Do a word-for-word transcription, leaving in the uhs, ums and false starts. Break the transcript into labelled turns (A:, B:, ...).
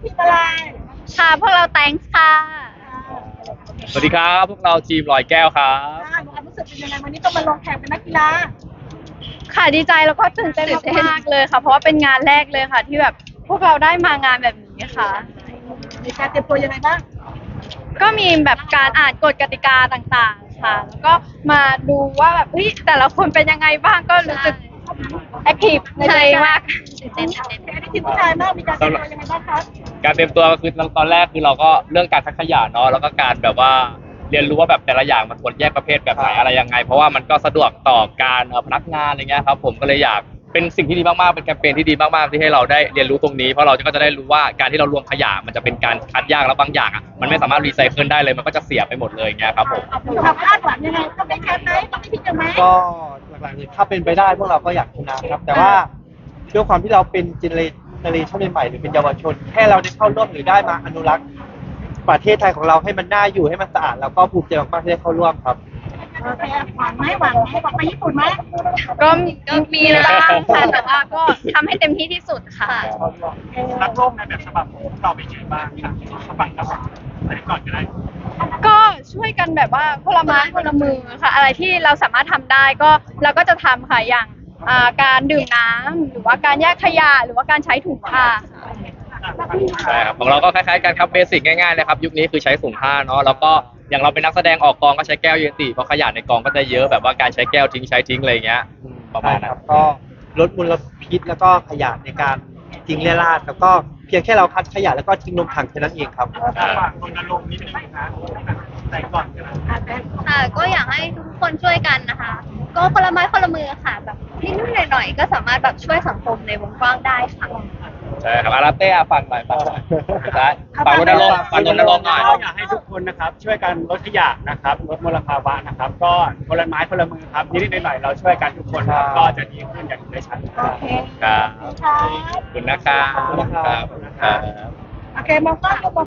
A: ทีมอะไร
B: ค่ะพวกเรา thanks ค่ะ
C: สวัสดีครับพวกเราทีมลอยแก้วครับ
A: อ่าความรู้สึกเป็นยังไงวันนี้ต้องมาลงแข่งเป็นนักกีฬา
B: ค่ะดีใจแล้วก็ตื่นเต้นมากๆเลยค่ะ เพราะว่าเป็นงานแรกเลยค่ะ ที่แบบพวกเราได้มางานแบบนี้ค่ะ
A: มีการเตรียมตัวยังไงบ้าง
B: ก็มีแบบการอ่านกฎกติกาต่างๆ ค่ะ แล้วก็มาดูว่าแบบเฮ้ยแต่ละคนเป็นยังไงบ้างก็รู้สึกแอคทีฟในตัวเองมากตื่นเต้นตื่นเต้น
A: อันนี้ทีมผู้ชายมากมีการเตรียมตัวยังไงบ้างครับ
C: การเตรียมตัวก็คือตอนแรกคือเราก็เรื่องการคัดขยะเนาะแล้วก็การแบบว่าเรียนรู้ว่าแบบแต่ละอย่างมันควรแยกประเภทแบบไหนอะไรยังไง เพราะว่ามันก็สะดวกต่อการเอ่อพนักงานอะไรเงี้ยครับผมก็เลยอยากเป็นสิ่งที่ดีมากๆเป็นแคมเปญที่ดีมากๆที่ให้เราได้เรียนรู้ตรงนี้เพราะเราก็จะได้รู้ว่าการที่เรารวมขยะมันจะเป็นการคัดแยกแล้วบางอย่างอ่ะมันไม่สามารถรีไซเคิลได้เลยมันก็จะเสียไปหมดเลยเงี้ยครับผม
A: ความคาดหวังยังไงต้องได้แชมป์ไหมต้องได้ที่หนึ่งไหม
D: ก็หลักๆเลยถ้าเป็นไปได้พวกเราก็อยากชนะครับ แต่ว่าด้วยความที่เราเป็นเจเนอเรชั่นใหม่ๆหรือเป็นเยาวชน แค่เราได้เข้าร่วมหรือได้มาอนุรักษ์ประเทศไทยของเราให้มันน่าอยู่ให้มันสะอาดแล้วก็ภูมิใจมากๆที่ได้เข้าร่วมครับ
A: โอเคหวังไหมหวังไหมหวังไปญี่ปุ่นไหม
B: ก็ก็มีบ้างค่ะแต่ว่าก็ทำให้เต็มที่ที่สุดค่ะ
E: รักโลกในแบบฉบับของพวกเราเป็นยังไงบ้างครับฉบับแล้วอันนี้ก่อนก็ได้
B: ก็ช่วยกันแบบว่าคนละไม้คนละมือค่ะ อะไรที่เราสามารถทำได้ก็เราก็จะทำค่ะอย่างอ่าการดื่มน้ำหรือว่าการแยกขยะหรือว่าการใช้ถุงผ้าค่ะ
C: ใช่ครับของเราก็คล้ายๆกันครับเบสิกง่ายๆเลยครับยุคนี้คือใช้ถุงผ้าเนาะแล้วก็อย่างเราเป็นนักแสดงออกกองก็ใช้แก้วเยติเพราะขยะในกองก็จะเยอะแบบว่าการใช้แก้วทิ้งใช้ทิ้งอะไรอย่างเงี้ยอืมประมาณ
D: ใช่
C: นั้
D: คน รับก็ลดมลพิษแล้วก็ขยะในการทิ้งเรี่ยราดแล้วก็เพียงแค่เราคัดขยะแล้วก็ทิ้งลงถังแค่นั้นเองครับ
E: ฝากรณรงค์นิดนึงนะแต่ก่อนก็ได้
B: ค่ะก็อยากให้ทุกคนช่วยกันนะคะ ก็คนละไม้คนละมือค่ะแบบนิดๆหน่อยๆก็สามารถแบบช่วยสังคมในวงกว้างได้ค่ะ
C: ใช่ครับอาราเต้อะฟังหน่อยฟังหน่อยใช่ฟังรณรงค์ฟังรณรงค์หน่อย
E: ก็อยากให้ทุกคนนะครับ ช่วยกันลดขยะนะครับลดมลภาวะนะครับ ก็คนละไม้คนละมือครับนิดๆหน่อยๆเราช่วยกันทุกคนครับก็จะดีขึ้นอย่างได้ชัด
A: โอเค
C: ครับ
A: ครับ
C: ขอบคุณนะครับ
D: ขอบคุณนะครับ
C: ครับ
A: โอเคมองกล้องมอง